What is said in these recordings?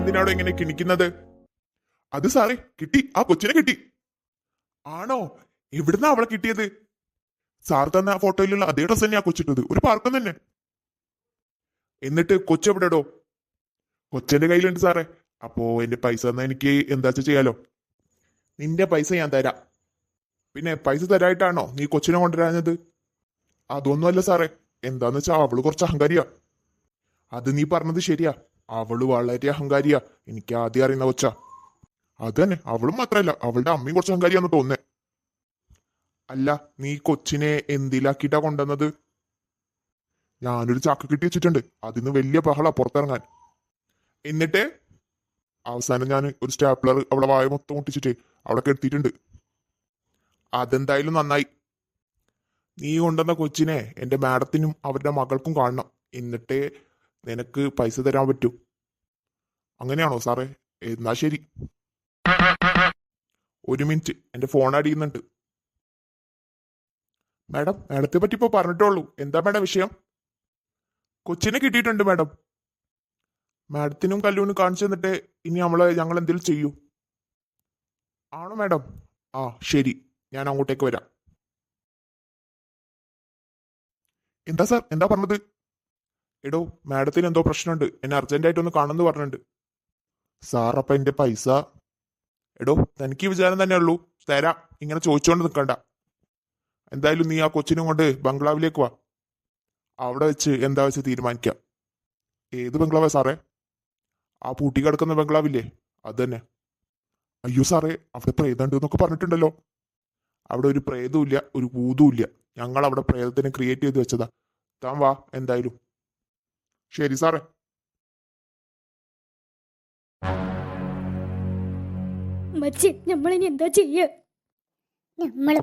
എന്തിനാണോ ഇങ്ങനെ കിണിക്കുന്നത്? അത് സാറേ കിട്ടി, ആ കൊച്ചിനെ കിട്ടി. ആണോ? എവിടുന്നാ അവളെ കിട്ടിയത്? സാർ തന്ന ഫോട്ടോയിലുള്ള അതേ ഡ്രസ് തന്നെയാ കൊച്ചിട്ടത്, ഒരു പാർക്കം തന്നെ. എന്നിട്ട് കൊച്ചെവിടെടോ? കൊച്ചെന്റെ കയ്യിലുണ്ട് സാറേ. അപ്പോ എന്റെ പൈസ തന്നാ എനിക്ക് എന്താ ചെയ്യാലോ? നിന്റെ പൈസ ഞാൻ തരാം. പിന്നെ പൈസ തരായിട്ടാണോ നീ കൊച്ചിനെ കൊണ്ടുവരാഞ്ഞത്? അതൊന്നുമല്ല സാറേ. എന്താന്ന് വെച്ചാ അവള് കുറച്ച് അഹങ്കാരിയാ. അത് നീ പറഞ്ഞത് ശരിയാ, അവള് വളരെ അഹങ്കാരിയാ. എനിക്ക് ആദ്യം അറിയുന്ന കൊച്ചാ. അത് തന്നെ, അവളും മാത്രല്ല അവളുടെ അമ്മയും കുറച്ച് അഹങ്കാരിയാന്ന് തോന്നുന്നേ. അല്ല, നീ കൊച്ചിനെ എന്തിലാക്കിയിട്ടാ കൊണ്ടുവന്നത്? ഞാനൊരു ചാക്ക് കിട്ടി വെച്ചിട്ടുണ്ട്, അതിന്ന് വലിയ ബഹളാ പുറത്തിറങ്ങാൻ. എന്നിട്ട് അവസാനം ഞാൻ ഒരു സ്റ്റാപ്ലർ അവളെ വായ മൊത്തം മുട്ടിച്ചിട്ട് അവിടെ കെടുത്തിട്ടുണ്ട്. അതെന്തായാലും നന്നായി. നീ കൊണ്ടുവന്ന കൊച്ചിനെ എന്റെ മാഡത്തിനും അവരുടെ മകൾക്കും കാണണം. എന്നിട്ടേ നിനക്ക് പൈസ തരാൻ പറ്റൂ. അങ്ങനെയാണോ സാറേ? എന്നാ ശരി. ഒരു മിനിറ്റ്, എന്റെ ഫോൺ അടിയുന്നുണ്ട്. മാഡം, മാഡത്തെ പറ്റി ഇപ്പൊ പറഞ്ഞിട്ടുള്ളൂ. എന്താ മാഡം വിഷയം? കൊച്ചിനെ കിട്ടിയിട്ടുണ്ട് മാഡം. മാഡത്തിനും കല്ലൂനും കാണിച്ചു തന്നിട്ട് ഇനി ഞങ്ങൾ എന്തെങ്കിലും ചെയ്യൂ. ആണോ മാഡം? ആ ശരി, ഞാൻ അങ്ങോട്ടേക്ക് വരാം. എന്താ സാർ, എന്താ പറഞ്ഞത്? എടോ, മാഡത്തിന് എന്തോ പ്രശ്നമുണ്ട്, എന്നെ അർജന്റായിട്ടൊന്ന് കാണുമെന്ന് പറഞ്ഞിട്ടുണ്ട്. സാർ അപ്പൊ എന്റെ പൈസ? എടോ, തനിക്ക് വിചാരം തന്നെ ഉള്ളൂ, തരാം. ഇങ്ങനെ ചോദിച്ചുകൊണ്ട് നിൽക്കണ്ട. എന്തായാലും നീ ആ കൊച്ചിനും കൊണ്ട് ബംഗ്ലാവിലേക്ക് വാ. അവിടെ വെച്ച് എന്താ വെച്ച് തീരുമാനിക്കാം. ഏത് ബംഗ്ലാവാ സാറേ? ആ പൂട്ടി കിടക്കുന്ന ബംഗ്ലാവില്ലേ, അത് തന്നെ. അയ്യോ സാറേ, അവിടെ പ്രേതമുണ്ട് എന്നൊക്കെ പറഞ്ഞിട്ടുണ്ടല്ലോ. അവിടെ ഒരു പ്രേതവും ഒരു ഭൂതവും ഇല്ല. ഞങ്ങൾ അവിടെ പ്രേതത്തിനെ ക്രിയേറ്റ് ചെയ്ത് വെച്ചതാ. താൻ വാ എന്തായാലും. ശരി സാറേ. നമ്മളിനി എന്താ ചെയ്യ? നമ്മള്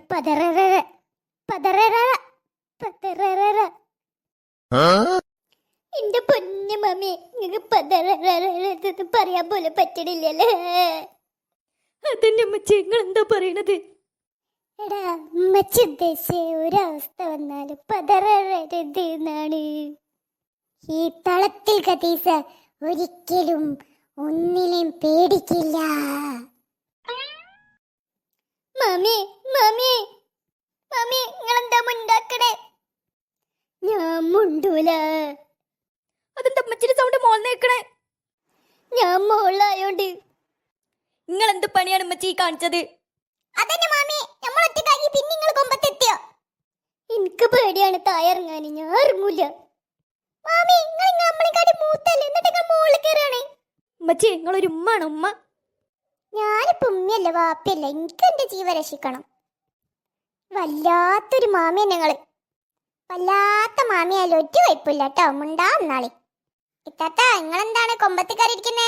എന്റെ പൊന്നു മമ്മി, നിങ്ങൾക്ക് പറയാൻ പോലെ പറ്റണില്ലല്ലേ? അതന്നെ അമ്മച്ചി, നിങ്ങൾ എന്താ പറയണത്? എടാ, അമ്മച്ചി ഉദ്ദേശിച്ച ഒരവസ്ഥ വന്നാല് പതറരുത് എന്നാണ്. ഈ തളത്തിൽ കതീസ ഒരിക്കലും ഒന്നിനെയും പേടിക്കില്ല. മമ്മി മമ്മി മമ്മി, നിങ്ങളെന്താ മുണ്ടാക്കണേ? ഞാൻ മുണ്ടൂല. അതെന്താ അമ്മച്ചിന്റെ സൗണ്ട് മോൾന്നേക്കണേ? ഞാൻ മോളായോണ്ട്. നിങ്ങൾ എന്ത് പണിയാണ് അമ്മച്ചി കാണിച്ചത്? അതന്നെ മാമി, നമ്മൾ ഒറ്റക്കാക്കി പിന്നെ നിങ്ങൾ കൊമ്പത്തെത്തിയോ? എനിക്ക് പേടിയാണ് തായറങ്ങാൻ, ഞാൻ ഇറങ്ങൂല. മാമി, നിങ്ങൾ നമ്മളെക്കാട്ടി മൂത്തല്ലേ, എന്നിട്ട് നിങ്ങൾ മോളിൽ കയറാണ്. അമ്മച്ചി, നിങ്ങളൊരു ഉമ്മാണ് ഉമ്മ. ഞാനിപ്പോ ഉമ്മയല്ല വാപ്പയല്ല, എനിക്ക് എന്റെ ജീവൻ രക്ഷിക്കണം. വല്ലാത്തൊരു മാമിയ ഞങ്ങള്. വല്ലാത്ത മാമിയായാലും ഒറ്റ കുഴപ്പമില്ല കേട്ടോ. മുണ്ടാ എന്നാളി. ഇത്താത്ത, നിങ്ങളെന്താണ് കൊമ്പത്ത് കയറിയിരിക്കുന്നേ?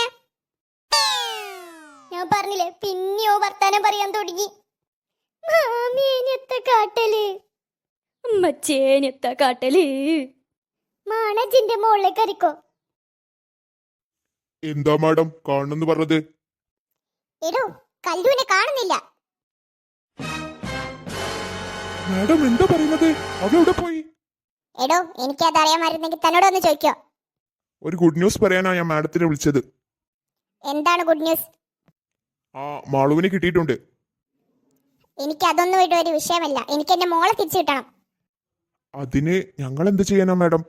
ഞാൻ പറഞ്ഞില്ലേ, പിന്നെയോ വർത്താനം പറയാൻ തുടങ്ങി. മാമിയത്ത കാട്ടല്, അമ്മച്ചേനത്ത കാട്ടല്. മാണജിന്റെ മോളിലേക്ക് കറിക്കോ. എന്താ മാഡം കാണുന്നു പറഞ്ഞത്? എടോ, കല്ലൂനെ കാണുന്നില്ല. മാഡം എന്താ പറയുന്നത്? അവളെവിടെ പോയി? എടോ, എനിക്കത് അറിയാമായിരുന്നെങ്കിൽ തന്നോട് ഒന്ന് ചോദിക്കോ. ഒരു ഗുഡ് ന്യൂസ് പറയാനാ ഞാൻ മാഡത്തിനെ വിളിച്ചത്. എന്താണ് ഗുഡ് ന്യൂസ്? ആ മാളുവിനെ കിട്ടിയിട്ടുണ്ട്. എനിക്ക് അതൊന്നും ഇവിടെ ഒരു വിഷയമല്ല. എനിക്ക് എന്റെ മോളെ തിരിച്ചു കിട്ടണം. അതിന് ഞങ്ങൾ എന്ത് ചെയ്യാനാ മാഡം?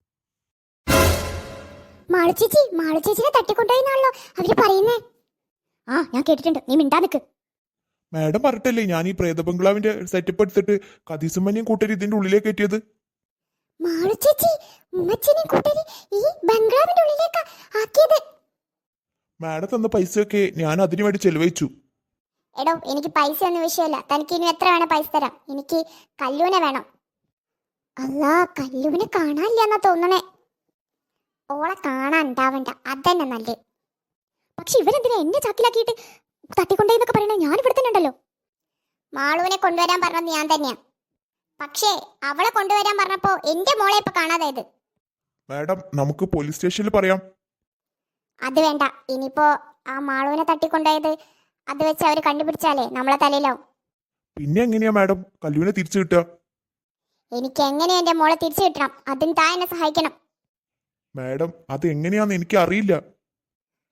മാളുചേച്ചിനെ തട്ടിക്കൊണ്ടുപോയിന്നാണല്ലോ അവര് പറയുന്നേ. ആ, ഞാൻ കേട്ടിട്ടുണ്ട്. നീ മിണ്ടാ നിക്ക്. മാഡം പറഞ്ഞിട്ടല്ലേ ഞാൻ ഈ പ്രേത ബംഗ്ലാവിന്റെ സെറ്റപ്പ് എടുത്തിട്ട് കതീസുമ്മനെയും കൂട്ടരി ഇതിന്റെ ഉള്ളിലേക്ക് കയറ്റിയത്? മാളുചേച്ചി ഉമ്മച്ചിനെയും കൂട്ടരി ഈ ബംഗ്ലാവിന്റെ ഉള്ളിലേക്ക് ആക്കിയത്. മാഡം തന്ന പൈസയൊക്കെ ഞാൻ അതിനു വേണ്ടി ചെലവഴിച്ചു. എടോ, എനിക്ക് പൈസ ഒന്നും വിഷയമല്ല. തനിക്ക് ഇനി എത്ര വേണം പൈസ തരാം. എനിക്ക് കല്ലൂനെ വേണം. അല്ലാ, കല്ലൂനെ കാണാനില്ലെന്നാ തോന്നണേ. ഓളെ കാണാൻ ഉണ്ടാവണ്ട, അതന്നെ നല്ലത്. പക്ഷെ ഇവരെന്തിനാ എന്നെ ചാക്കിലാക്കിയിട്ട് തട്ടിക്കൊണ്ടേന്നൊക്കെ പറയണേ? ഞാൻ ഇവിടെ തന്നെ ഉണ്ടല്ലോ. മാളുവിനെ കൊണ്ടുവരാൻ പറഞ്ഞത് ഞാൻ തന്നെയാ. പക്ഷേ അവളെ കൊണ്ടുവരാൻ പറഞ്ഞപ്പോ എന്റെ മോളെ ഇപ്പൊ കാണാതായത്. മാഡം, നമുക്ക് പോലീസ് സ്റ്റേഷനിൽ പറയാം. അത് വേണ്ട. ഇനിയിപ്പോ ആ മാളുവിനെ തട്ടിക്കൊണ്ടുപോയത് അത് വെച്ച് അവര് കണ്ടുപിടിച്ചാലേ നമ്മളെ തലയിലാവും. പിന്നെ എങ്ങനെയാ മാഡം കല്ലൂനെ തിരിച്ചു കിട്ടുക? എനിക്ക് എങ്ങനെയാ എന്റെ മോളെ തിരിച്ചു കിട്ടണം. അതിന് താൻ എന്നെ സഹായിക്കണം. മാഡം, അത് എങ്ങനെയാന്ന് എനിക്ക് അറിയില്ല.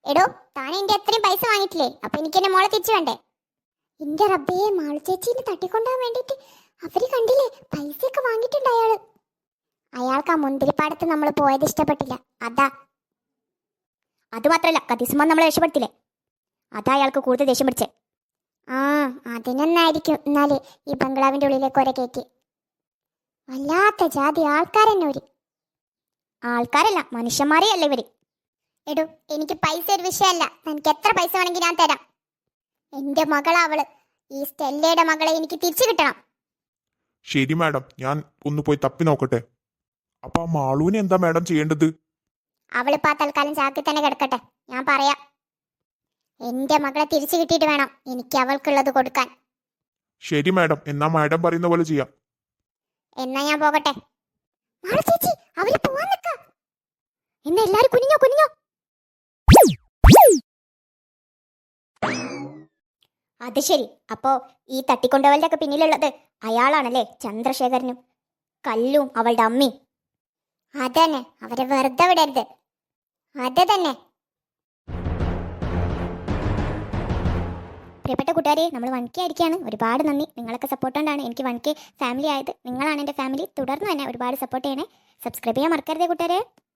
എടോ താൻ എന്റെ അത്രയും പൈസ വാങ്ങിയിട്ടില്ലേ? അപ്പൊ എനിക്ക് എന്റെ മോളെ തിരിച്ചു വേണ്ടേ? എന്റെ റബ്ബേ, മാളു ചേച്ചീനെ തട്ടിക്കൊണ്ടാൻ വേണ്ടിട്ട് അവര് കണ്ടില്ലേ, പൈസയൊക്കെ വാങ്ങിയിട്ടുണ്ട് അയാള്. അയാൾക്ക് ആ മുന്തിരിപ്പാടത്ത് നമ്മൾ പോയത് ഇഷ്ടപ്പെട്ടില്ല, അതാ. അതുമാത്രല്ല, കതീസുമാൻ നമ്മളെ രക്ഷപ്പെടുത്തില്ലേ, അതാ അയാൾക്ക് കൂടുതൽ ദേഷ്യം പിടിച്ചേ. ആ, അതിനൊന്നായിരിക്കും എന്നാല് ഈ ബംഗ്ലാവിന്റെ ഉള്ളിലേക്ക് ഒരെ കയറ്റി. വല്ലാത്ത ജാതി ആൾക്കാരെന്നെ ഒരു. ആൾക്കാരല്ല, മനുഷ്യന്മാരേ അല്ല ഇവര്. എടോ, എനിക്ക് പൈസ ഒരു വിഷയമല്ല, എനിക്ക് എത്ര പൈസ വേണമെങ്കിൽ ഞാൻ തരാം. എന്റെ മകളാ അവള്, ഈ സ്റ്റെല്ലയുടെ മകളെ എനിക്ക് തിരിച്ചു കിട്ടണം. ശരി മാഡം, ഞാൻ ഒന്ന് പോയി തപ്പി നോക്കട്ടെ. അപ്പൊ ആ മാളൂനെ എന്താ മാഡം ചെയ്യേണ്ടത്? അവളിപ്പോ ആ തൽക്കാലം ചാക്കിൽ തന്നെ കിടക്കട്ടെ, ഞാൻ പറയാം. എന്റെ മകളെ തിരിച്ചു കിട്ടിയിട്ട് വേണം എനിക്ക് അവൾക്കുള്ളത് കൊടുക്കാൻ. ശരി മാഡം, എന്നാ മാഡം പറയുന്ന പോലെ ചെയ്യാം. എന്നാ ഞാൻ പോകട്ടെ. മാളു ചേച്ചി, അവര് പോവാൻ നിക്ക. എന്നാ എല്ലാരും കുനിഞ്ഞോ കുനിഞ്ഞോ. അത് ശരി, അപ്പോ ഈ തട്ടിക്കൊണ്ടുപോവലിന്റെ ഒക്കെ പിന്നിലുള്ളത് അയാളാണല്ലേ, ചന്ദ്രശേഖരനും കല്ലും അവളുടെ അമ്മയും. അതന്നെ, അവരെ വെറുതെ വിടരുത്. അത് തന്നെ. പ്രിയപ്പെട്ട കൂട്ടുകാരെ, നമ്മൾ 1K ആയിരിക്കുകയാണ്. ഒരുപാട് നന്ദി, നിങ്ങളൊക്കെ സപ്പോർട്ട് കൊണ്ടാണ് എനിക്ക് 1K ഫാമിലി ആയത്. നിങ്ങളാണ് എൻ്റെ ഫാമിലി. തുടർന്ന് തന്നെ ഒരുപാട് സപ്പോർട്ട് ചെയ്യണേ. സബ്സ്ക്രൈബ് ചെയ്യാൻ മറക്കരുതേ കൂട്ടുകാരെ.